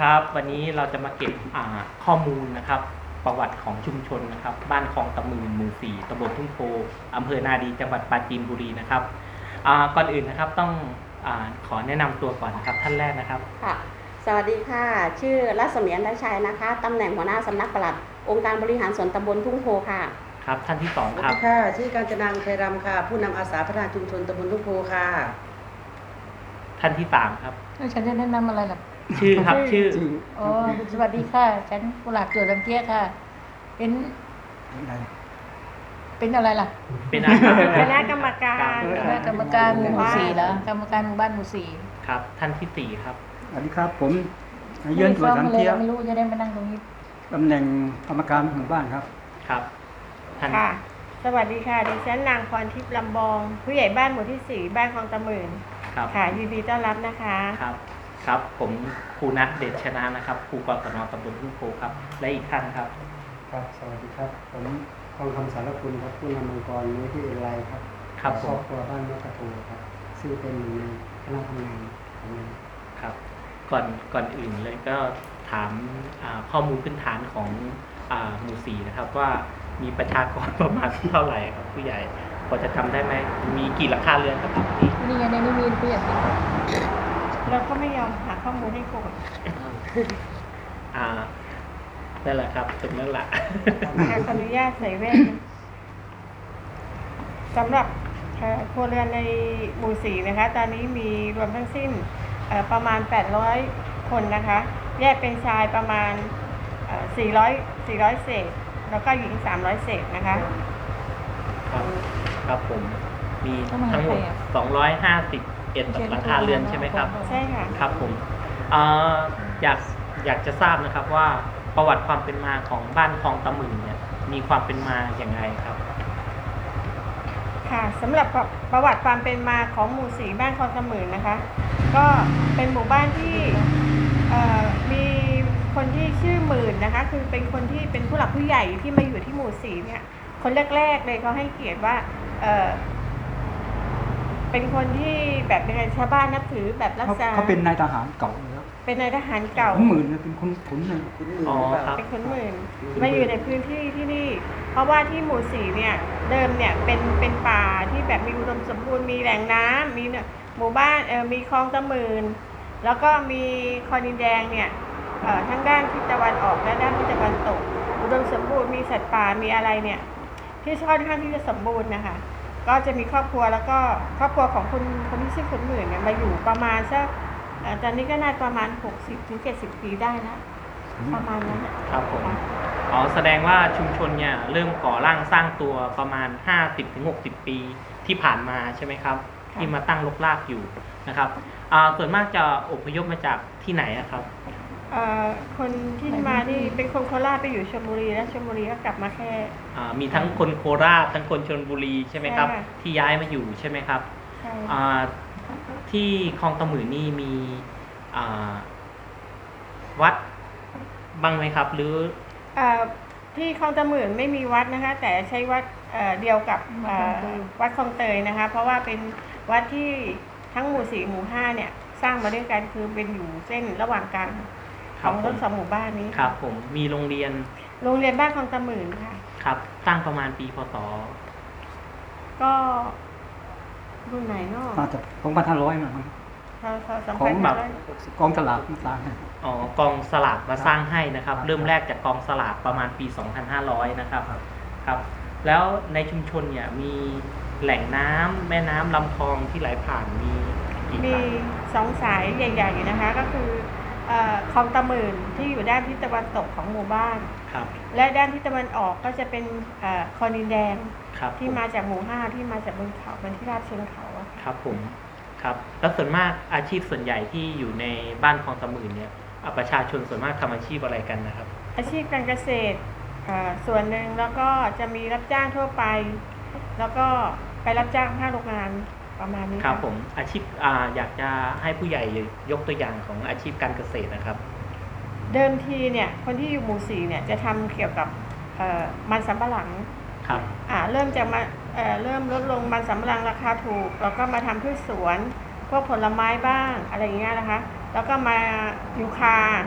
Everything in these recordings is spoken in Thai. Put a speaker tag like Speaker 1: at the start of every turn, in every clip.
Speaker 1: ครับวันนี้เราจะมาเก็บข้อมูลนะครับประวัติของชุมชนนะครับบ้านคลองตะมืนหมู่ 4ตำบลทุ่งโพอำเภอนาดีจังหวัดปราจีนบุรีนะครับก่อนอื่นนะครับต้องขอแนะนำตัวก่อนนะครับท่านแรกนะครับ
Speaker 2: ค่ะสวัสดีค่ะชื่อรัศมีอันดาชัยนะคะตำแหน่งหัวหน้าสำนักปลัดองค์การบริหารส่วนตำบลทุ่งโพค่ะ
Speaker 1: ครับท่านที่2ครับ
Speaker 3: ค่ะชื่อกาญจนาอุทัยรำค่ะผู้นำอาสาพัฒนาชุมชนตำบลทุ่งโพค่ะ
Speaker 1: ท่านที่3ครับ
Speaker 4: ฉันจะแนะนำอะไรล่ะ
Speaker 1: ชื่อครับชื่อ
Speaker 4: อ๋อสวัสดีค่ะฉันกุหลาบจวดลำเกียค่ะ เป็นอะไรล่ะ
Speaker 1: เป็น
Speaker 2: คณะกรรมการ
Speaker 4: คณะกรรมการหมู่ 4แล้วกรรมการหมู่บ้านหมู่ 4
Speaker 1: ครับท่านที่4ครับ
Speaker 5: สวัสดีครับผมเยือนตัวสังเทีย
Speaker 4: ไม่รู้จะได้มานั่งตรงนี้
Speaker 5: ตำแหน่งกรรมการหมู่บ้านครับ
Speaker 1: ครับท่าน
Speaker 2: ค่ะสวัสดีค่ะดิฉันนางพรทิพย์ลำบองผู้ใหญ่บ้านหมู่ที่4บ้านคลองตะหมื่นค่ะยินดีต้อนรับนะคะ
Speaker 1: ครับผมครูณัฐเดชชนะนะครับครูกศนตำบลทุ่งโพครับและอีกท่านครับ
Speaker 6: ครับสวัสดีครับผมทองคำสารคุณครับผู้นำองค์กรนี้ที่เอไลครับ
Speaker 1: ครับ
Speaker 6: ครอบครัวบ้านนกกระโทครับซึ่งเป็นหนึ่งในคณะทำงานของเรา
Speaker 1: ครับก่อนอื่นเลยก็ถามข้อมูลพื้นฐานของหมู่ 4นะครับว่ามีประชากรประมาณเท่าไหร่ครับผู้ใหญ่พอจะจำได้ไหมมีกี่หลังคาเรือนครับ
Speaker 4: นี่ไงในนี้มีผู้ใหญ่
Speaker 2: เราก็ไม่ยอมหาข้อมูลให้โกรธ
Speaker 1: นั่นแหละครับตรงนั้นแหละ
Speaker 2: ขออนุญาตใส่แว่นสำหรับครัวเรือนในหมู่ 4นะคะตอนนี้มีรวมทั้งสิ้นประมาณ800คนนะคะแยกเป็นชายประมาณ400เศษแล้วก็หญิง300เศษนะคะ
Speaker 1: ครับผมมีทั้งหมด251หลังคาเรือนใช่ไหมครับ
Speaker 2: ใช่ค่ะ
Speaker 1: ครับผมอยากจะทราบนะครับว่าประวัติความเป็นมาของบ้านคลองตะหมื่นเนี่ยมีความเป็นมาอย่างไรครับ
Speaker 2: ค่ะสำหรับประวัติความเป็นมาของหมู่ 4บ้านคลองตะหมื่นนะคะก็เป็นหมู่บ้านที่มีคนที่ชื่อหมื่นนะคะคือเป็นคนที่เป็นผู้หลักผู้ใหญ่ที่มาอยู่ที่หมู่ 4เนี่ยคนแรกๆเลยเขาให้เกียรติว่าเป็นคนที่แบบยังไงชาวบ้านนับถือแบบรักษา
Speaker 5: เขาเป็นนายทหารเก่าแล้ว
Speaker 2: เป็นนายทหารเก่า
Speaker 5: หมื่นเป็นคนขุนเลย
Speaker 2: เป็นคนหมื่นมาอยู่ในพื้นที่ที่นี่เพราะว่าที่หมู่ 4เนี่ยเดิมเนี่ยเป็นป่าที่แบบมีอุดมสมบูรณ์มีแหล่งน้ำมีหมู่บ้านมีคลองตะหมื่นแล้วก็มีคลองดินแดงเนี่ยทั้งด้านทิศตะวันออกและด้านทิศตะวันตกอุดมสมบูรณ์มีสัตว์ป่ามีอะไรเนี่ยที่ค่อนข้างที่จะสมบูรณ์นะคะก็จะมีครอบครัวแล้วก็ครอบครัวของคนที่ชื่อคุณหมื่นเนี่ยมาอยู่ประมาณสักตอนนี้ก็น่าประมาณ60-70 ปีได้แล้วประมาณนั้น
Speaker 1: ครับผมแสดงว่าชุมชนเนี่ยเริ่มก่อร่างสร้างตัวประมาณ50-60 ปีที่ผ่านมาใช่ไหมครับที่มาตั้งรกรากอยู่นะครับส่วนมากจะอพยพมาจากที่ไหนครับ
Speaker 2: คนที่มาที่เป็นคนโคราชไปอยู่ชลบุรีแล้วชลบุรีก็กลับมาแค่
Speaker 1: มีทั้งคนโคราชทั้งคนชลบุรีใช่ไหมครับที่ย้ายมาอยู่ใช่ไหมครับ
Speaker 2: ใช่
Speaker 1: ที่คลองตะหมื่นนี่มีวัดบ้างไหมครับหรือ
Speaker 2: ที่คลองตะหมื่นไม่มีวัดนะคะแต่ใช้วัดเดียวกับวัดคลองเตยนะคะเพราะว่าเป็นวัดที่ทั้งหมู่ 4หมู่ 5เนี่ยสร้างมาด้วยกันคือเป็นอยู่เส้นระหว่างกลางของทั้ง2หมู่บ้านนี้
Speaker 1: ครับผมมีโรงเรียน
Speaker 2: บ้านคลองตะหมื่นค่ะ
Speaker 1: ครับตั้งประมาณปีพศ
Speaker 2: ก็รุ่นไหนเนาะ
Speaker 5: น่าจะ2,500มั้งของแบบกองสลากมาสร้าง
Speaker 1: กองสลากมาสร้างให้นะครับเริ่มแรกจากกองสลากประมาณปี2500นะครับครับแล้วในชุมชนเนี่ยมีแหล่งน้ำแม่น้ำลำคลองที่ไหลผ่านมี
Speaker 2: 2 สายใหญ่ๆนะคะก็คือคลองตะหมื่นที่อยู่ด้านทิศตะวันตกของหมู่บ้านและด้านทิศตะวันออกก็จะเป็นคลองดินแดงที่มาจากหมู่ 5ที่มาจากบนเขาบนที่ราบเชิงเขา
Speaker 1: ครับผมครับแล้วส่วนมากอาชีพส่วนใหญ่ที่อยู่ในบ้านคลองตะหมื่นเนี่ยประชาชนส่วนมากทำอาชีพอะไรกันนะครับ
Speaker 2: อาชีพการเกษตรส่วนหนึ่งแล้วก็จะมีรับจ้างทั่วไปแล้วก็ไปรับจ้างภาคโรงงานประมาณนี้
Speaker 1: ครับผมอาชีพอยากจะให้ผู้ใหญ่ยกตัวอย่างของอาชีพการเกษตรนะครับ
Speaker 2: เดิมทีเนี่ยคนที่อยู่หมู่ 4เนี่ยจะทำเกี่ยวกับมันสำปะหลัง
Speaker 1: ครับ
Speaker 2: เริ่มจากมาเริ่มลดลงมันสำปะหลังราคาถูกแล้วก็มาทำพืชสวนพวกผลไม้บ้างอะไรอย่างเงี้ยนะคะแล้วก็มายูคา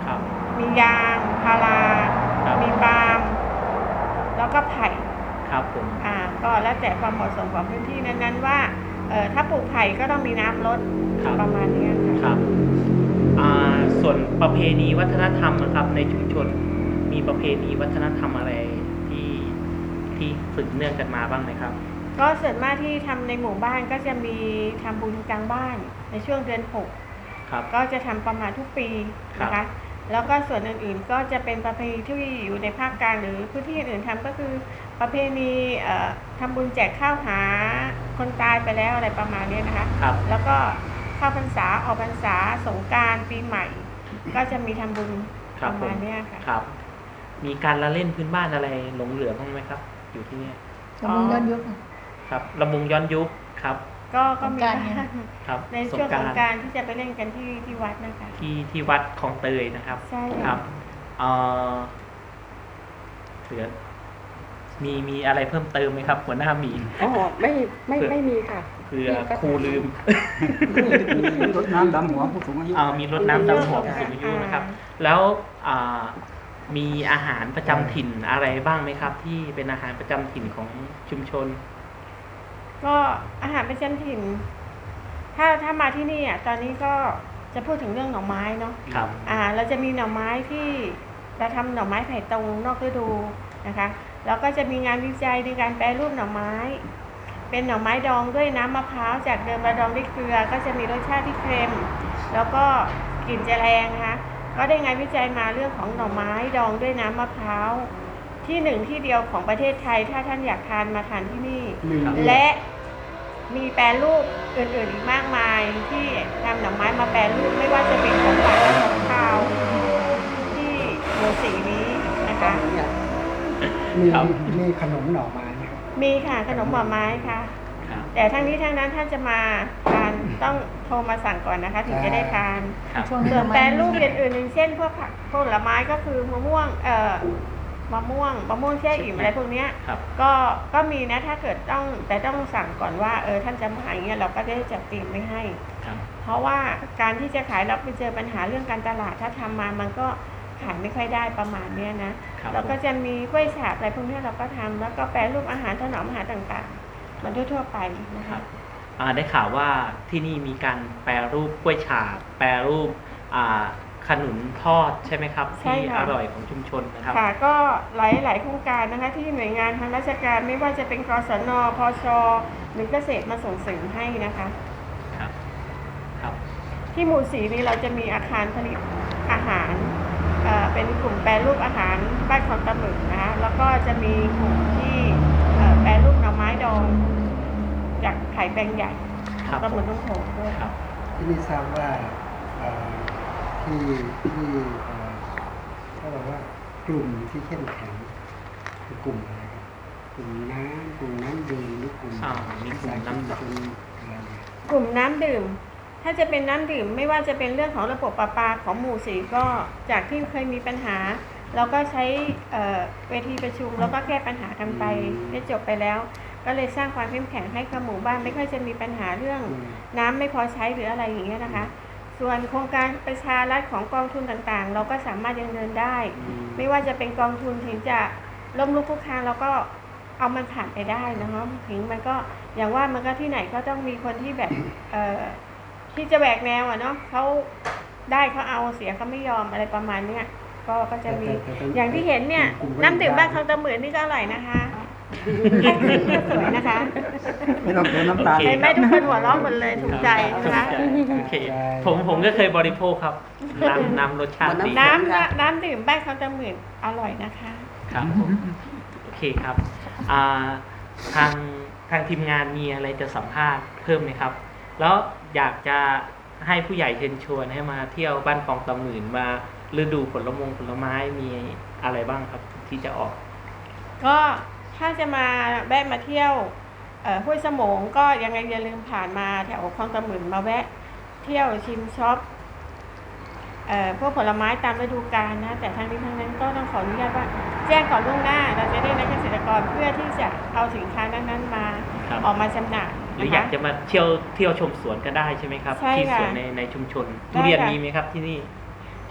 Speaker 1: ครับ
Speaker 2: มียางพารา
Speaker 1: ครับ
Speaker 2: มีปาล์มแล้วก็ไผ่
Speaker 1: ครับผม
Speaker 2: ก็แล้วแต่ความเหมาะสมของพื้นที่นั้นๆว่าถ้าปลูกไผ่ก็ต้องมีน้ำลด
Speaker 1: ครับ
Speaker 2: ประมาณนี้ค่ะ
Speaker 1: ครับส่วนประเพณีวัฒนธรรมนะครับในชุมชนมีประเพณีวัฒนธรรมอะไรที่สืบเนื่องกันมาบ้างไหมครับ
Speaker 2: ก็ส่วนมากที่ทำในหมู่บ้านก็จะมีทำบุญกลางบ้านในช่วงเดือน6
Speaker 1: ครับ
Speaker 2: ก็จะทำประมาณทุกปีนะ
Speaker 1: ครั
Speaker 2: คะ
Speaker 1: บ
Speaker 2: แล้วก็ส่วนอื่นๆก็จะเป็นประเพณีที่อยู่ในภาคกลางหรือพื้นที่อื่นๆทำก็คือประเพณีทำบุญแจกข้าวหาคนตายไปแล้วอะไรประมาณนี้นะคะ
Speaker 1: ครับ
Speaker 2: แล้วก็เข้าพรรษาออกพรรษาสงกรานต์ปีใหม่ ก็จะมีทำบุญ
Speaker 1: ครั
Speaker 2: ป
Speaker 1: บ
Speaker 2: ระมาณเนี้ยค่ะ
Speaker 1: ครับ มีการละเล่นพื้นบ้านอะไรหลงเหลือบ้างไหมครับ อยู่ที่เนี่ย
Speaker 4: จะมีย้อนยุค
Speaker 1: ครับลำวงย้อนยุคครับ
Speaker 2: ก็มี
Speaker 4: สงกรานต์ไง
Speaker 2: บ้าง
Speaker 1: ครับ
Speaker 2: ในช่วงสงกรานต์ที่จะไปเล่นกันที่วัดนะคะ
Speaker 1: ที่วัดคลองเตยนะครับ
Speaker 2: ใช่
Speaker 1: ค
Speaker 2: ค่ะ
Speaker 1: รับเหลือมีอะไรเพิ่มเติมไหมครับ หัวหน้าหมี
Speaker 3: อ๋อไม่มีค่ะ
Speaker 1: เผื่อครูลืม
Speaker 5: มีรถน้ำดำหัวผู้สูงอายุ
Speaker 1: มีรถน้ำดำหัวผู้สูงอายุนะครับ แล้วมีอาหารประจำถิ่นอะไรบ้างไหมครับ ที่เป็นอาหารประจำถิ่นของชุมชน
Speaker 2: ก็อาหารประจำถิ่น ถ้ามาที่นี่ตอนนี้ก็จะพูดถึงเรื่องหน่อไม้เนาะ
Speaker 1: ครับ
Speaker 2: เราจะมีหน่อไม้ที่เราทำหน่อไม้ไผ่ตรงนอกฤดูนะคะแล้วก็จะมีงานวิจัยในการแปรรูปหน่อไม้ เป็นหน่อไม้ดองด้วยน้ำมะพร้าวจากเดิมเราดองด้วยเกลือ ก็จะมีรสชาติที่เค็มแล้วก็กลิ่นจะแรงนะคะก็ได้งานวิจัยมาเรื่องของหน่อไม้ดองด้วยน้ำมะพร้าวที่หนึ่งที่เดียวของประเทศไทยถ้าท่านอยากทานมาทานที่นี่ และมีแปรรูปอื่นๆอีกมากมายที่นำหน่อไม้มาแปรรูปไม่ว่าจะเป็นของหวานและของคาวที่หมู่สีนี้นะคะ
Speaker 6: มี
Speaker 1: ครับ
Speaker 6: มีขนมหน่อไม้ไหมครับ
Speaker 2: มีค่ะขนมหน่อไม้ค่ะ
Speaker 1: ครับ
Speaker 2: แต่ทั้งนี้ทั้งนั้นท่านจะมาทานต้องโทรมาสั่งก่อนนะคะ ถึงจะได้ทาน
Speaker 1: ครับ
Speaker 4: ช่วงนี้
Speaker 2: ส่วน
Speaker 4: ทำไม
Speaker 2: แปรรูปอย่างอื่นอย่างเช่นพวกผักผลไม้ก็คือมะม่วงมะม่วงแช่อิ่มอะไรพวกเนี้ย
Speaker 1: ครับ
Speaker 2: ก็มีนะถ้าเกิดต้องสั่งก่อนว่าท่านจะมาอย่างเงี้ยเราก็ได้จัดเตรียมไว้ให้
Speaker 1: ครับ
Speaker 2: เพราะว่าการที่จะขายเราไปเจอปัญหาเรื่องการตลาดถ้าทำมามันก็ขายไม่ค่อยได้ประมาณเนี้ยนะครับ แล้วก็จะมีกล้วยฉาบอะไรพวกเนี้ยเราก็ทำแล้วก็แปรรูปอาหารถนอมอาหารต่างๆ มันทั่วๆไปนะ
Speaker 1: ครั
Speaker 2: คะ
Speaker 1: บได้ข่าวว่าที่นี่มีการแปรรูปกล้วยฉาบแปรรูปขนุนทอดใช่ไหมครับ
Speaker 2: ใช่
Speaker 1: ที่
Speaker 2: ค่ะ
Speaker 1: อร่อยของชุมชนนะครับ
Speaker 2: ค่ะก็หลายโครงการนะคะที่หน่วยงานทางราชการไม่ว่าจะเป็นกศนพชหรือเกษตรมาส่งเสริมให้นะคะ
Speaker 1: ครับ ครับ
Speaker 2: ที่หมู่สีนี้เราจะมีอาคารผลิตอาหารเป็นกลุ่มแปรรูปอาหารบ้านคลองตะหมึกนะคะแล้วก็จะมีกลุ่มที่แปรรูปหน่อไม้ดองจากไข่แปลงใหญ่
Speaker 1: ครับ
Speaker 2: ตะหมึกต้องโขงด้วย
Speaker 1: ครับ
Speaker 6: ที่นี่ทราบว่าเอ่อที่เขาบอกว่ากลุ่มที่เข้มแข็งคือกลุ่มอะไรครับกลุ่มน้ำดื่มหรือกลุ่ม
Speaker 1: มีกลุ่มน้ำดื่ม
Speaker 6: ชุมชนอะไรเนี่ย
Speaker 2: กลุ่มน้ำดื่ม ถ้าจะเป็นน้ำดื่มไม่ว่าจะเป็นเรื่องของระบบประปาของหมู่สีก็จากที่เคยมีปัญหา เราก็ใช้เวทีประชุมแล้วก็แก้ปัญหากันไปได้จบไปแล้ว ก็เลยสร้างความเข้มแข็งให้กับหมู่บ้านไม่ค่อยจะมีปัญหาเรื่องน้ำไม่พอใช้หรืออะไรอย่างเงี้ยนะคะ ส่วนโครงการประชารัฐของกองทุนต่างๆ เราก็สามารถยังเดินได้ ไม่ว่าจะเป็นกองทุนถึงจะล้มลุกคลุกคลานเราก็เอามันผ่านไปได้นะคะถึงมันก็อย่างว่ามันก็ที่ไหนก็ต้องมีคนที่แบบที่จะแบกแนวเนาะเขาได้เขาเอาเสียเขาไม่ยอมอะไรประมาณเนี้ยก็จะมีอย่างที่เห็นเนี่ยน้ำดื่มบ้านคลองตะหมื่นนี่ก็อร่อยนะคะแพ็คเกจก็สวยนะคะ
Speaker 5: ไม่ต้องเติมน้ำตาล
Speaker 2: เห็นไหมทุกคนหัวเราะหมดเลยถูกใจนะคะ
Speaker 1: โอเคผมก็เคยบริโภคครับ น้ำรสชาติดี
Speaker 2: น้ำดื่มบ้านคลองตะหมื่นอร่อยนะคะ
Speaker 1: ครับผมโอเคครับทางทีมงานมีอะไรจะสัมภาษณ์เพิ่มไหมครับ แล้วอยากจะให้ผู้ใหญ่เชิญชวนให้มาเที่ยวบ้านคลองตะหมื่นมาฤดูผลไม้มีอะไรบ้างครับที่จะออก
Speaker 2: ก็ถ้าจะมาแวะมาเที่ยวห้วยสมงก็ยังไงอย่าลืมผ่านมาแถวคลองตะหมื่นมาแวะเที่ยวชิมช็อปพวกผลไม้ตามฤดูกาลนะแต่ทั้งนี้ทั้งนั้นก็ต้องขออนุญาตว่าแจ้งก่อนล่วงหน้าเราจะได้นักเกษตรกรเพื่อที่จะเอาสินค้านั้นๆมา
Speaker 1: ครับ
Speaker 2: ออกมาจำหน่าย
Speaker 1: หรือ
Speaker 2: นะ
Speaker 1: อยา
Speaker 2: คะ
Speaker 1: กจะมาเที่ยวชมสวนก็ได้ใช่ไหมครับ
Speaker 2: ใช่
Speaker 1: ที่
Speaker 2: ค่ะ
Speaker 1: สวนในชุมชน
Speaker 2: ได้
Speaker 1: ทุเรียน
Speaker 2: ค่ะ
Speaker 1: มีไหมครับที่นี่
Speaker 2: ท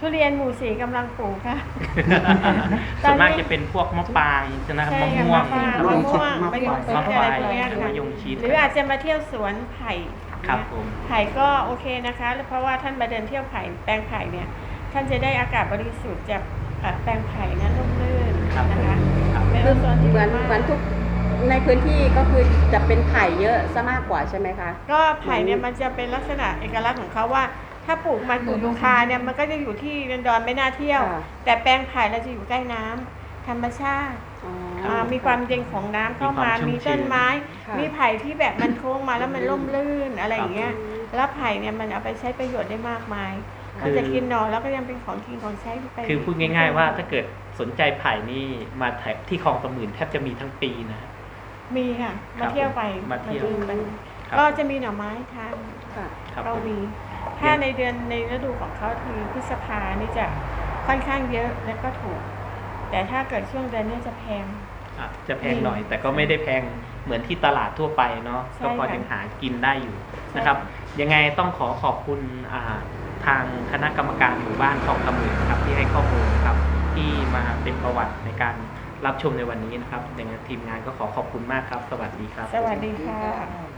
Speaker 2: ทุเรียนหมู่สี่กำลังปลูกค่ะ
Speaker 1: ส่วนมากจะเป็นพวกมะปรางนะครับ
Speaker 2: ใช่
Speaker 1: มะ
Speaker 2: ค่ะ
Speaker 1: ม่วง
Speaker 2: มะม่วงมะยงชิด
Speaker 1: มะไฟ
Speaker 2: อะไรพวกเนี้ยค่ะ
Speaker 1: มะยงชิด
Speaker 2: หรืออาจจะมาเที่ยวสวนไผ่
Speaker 1: ครับผม
Speaker 2: ไผ่ก็โอเคนะคะเพราะว่าท่านมาเดินเที่ยวไผ่แปลงไผ่เนี่ยท่านจะได้อากาศบริสุทธิ์จากแปลงไผ่นั้นร่มรื่น
Speaker 1: ครับ
Speaker 2: นะคะ
Speaker 1: ครับ
Speaker 2: เป็น
Speaker 3: คือ
Speaker 2: โซนที่
Speaker 3: เหมือน
Speaker 2: ดีาก
Speaker 3: เหมือนทุกในพื้นที่ก็คือจะเป็นไผ่เยอะซะมากกว่าใช่ไหมคะ
Speaker 2: ก็ไผ่เนี่ยมันจะเป็นลักษณะเอกลักษณ์ของเขาว่า ถ้าปลูกมันปลูกลูกคาเนี่ยมันก็จะอยู่ที่ดอนไม่น่าเที่ยว
Speaker 3: ค่ะ
Speaker 2: แต่แปลงไผ่เราจะอยู่ใกล้น้ำธรรมชาติ
Speaker 3: อ๋อ
Speaker 2: มีความเย็นของน้ำเข้ามา
Speaker 1: มี
Speaker 2: มี
Speaker 1: ความชุ่มชื้น
Speaker 2: ต้นไม้
Speaker 3: ค่ะ
Speaker 2: มีไผ่ที่แบบมันโค้งมาแล้วมันร่มรื่นอะไรอย่างเงี้ย
Speaker 3: ครับ
Speaker 2: แล้วไผ่เนี่ยมันเอาไปใช้ประโยชน์ได้มากมาย
Speaker 1: คือ
Speaker 2: มันจะกินหน่อแล้วก็ยังเป็นของกินของใช้ไป
Speaker 1: คือพูดง่ายๆว่าถ้าเกิดสนใจไผ่นี่มาแถบที่คลองตะหมื่นแทบจะมีทั้งปีนะ
Speaker 2: มีค่ะ
Speaker 1: ครั
Speaker 2: มา
Speaker 1: บ
Speaker 2: เที่ยวไป
Speaker 1: มาเที่ยว
Speaker 2: ดูไป
Speaker 1: ครับ
Speaker 2: ก็จะมีหน่อไม้ทาน
Speaker 3: ค่ะ
Speaker 1: ครับ
Speaker 2: เรา
Speaker 1: ผม
Speaker 2: มี ถ้าในเดือนในฤดูของเขาคือพฤษภานี่จะค่อนข้างเยอะและก็ถูก แต่ถ้าเกิดช่วงเดือนนี้จะแพง
Speaker 1: อ่ะจะแพงหน่อย แต่ก็ไม่ได้แพงเหมือนที่ตลาดทั่วไปเนาะ
Speaker 2: ใช่
Speaker 1: ก็พอ
Speaker 2: ค่ะ
Speaker 1: ยังหากินได้อยู่นะครับ ยังไงต้องขอบคุณทางคณะกรรมการหมู่บ้านคลองตะหมื่นนะครับที่ให้ข้อมูลนะครับ ที่มาเป็นประวัติในการรับชมในวันนี้นะครับอย่างทีมงานก็ขอขอบคุณมากครับ สวัสดีครับ
Speaker 2: สวัสดีค่ะ